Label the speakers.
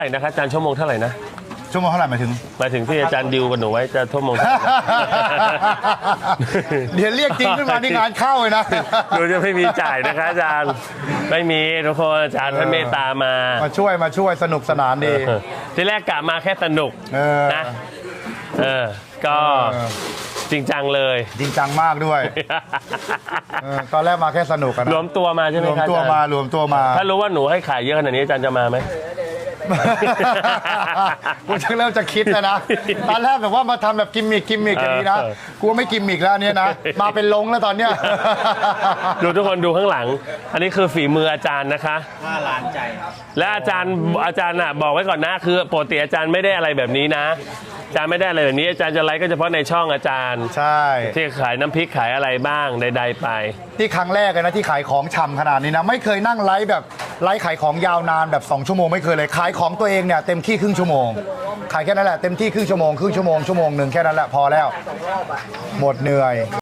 Speaker 1: ไหร่นะคะอาจารย์ชั่วโมงเท่าไหร่นะ
Speaker 2: ชั่วโมงเท่าไหร่หมายถึง
Speaker 1: ที่อาจารย์ดิวกับหนูไว้จะชั่วโมง
Speaker 2: เดี๋ยวเรียกจริงขึ้นมาที่งานเข้าเลยนะ
Speaker 1: หนูจะไม่มีจ่ายนะคะอาจารย์ไม่มีทุกคนอาจารย์ท่านเมตตามา
Speaker 2: ช่วยสนุกสนานดี
Speaker 1: ที่แรกกะมาแค่สนุกนะก็จริงจังเลย
Speaker 2: จริงจังมากด้วยตอนแรกมาแค่สนุกกัน
Speaker 1: รวมตัวมาใช่ไหมครับรวม
Speaker 2: ตัวมา
Speaker 1: ถ้ารู้ว่าหนูให้ขายเยอะขนาดนี้อาจารย์จะมาไหม
Speaker 2: กูจะเริ่มจะคิดแล้วนะตอนแรกแบบว่ามาทำแบบกิมมิกอย่างนี้นะกูไม่กิมมิกแล้วเนี่ยนะมาเป็นลงแล้วตอนเนี้ย
Speaker 1: ดูทุกคนดูข้างหลังอันนี้คือฝีมืออาจารย์นะคะ
Speaker 3: 5 ล้านใจ
Speaker 1: และอาจารย์น่ะบอกไว้ก่อนนะคือปกติอาจารย์ไม่ได้อะไรแบบนี้นะอาจารย์ไม่ได้อะไรแบบนี้อาจารย์จะไลฟ์ก็เฉพาะในช่องอาจารย์
Speaker 2: ใช่
Speaker 1: ที่ขายน้ำพริกขายอะไรบ้างใดๆไป
Speaker 2: ที่ครั้งแรกเลยนะที่ขายของฉ่ำขนาดนี้นะไม่เคยนั่งไลฟ์แบบไลฟ์ขายของยาวนานแบบ2 ชั่วโมงไม่เคยเลยขายของตัวเองเนี่ยเต็มที่ครึ่งชั่วโมงขายแค่นั้นแหละเต็มที่ครึ่งชั่วโมง1 ชั่วโมงแค่นั้นแหละพอแล้วหมดเหนื่อย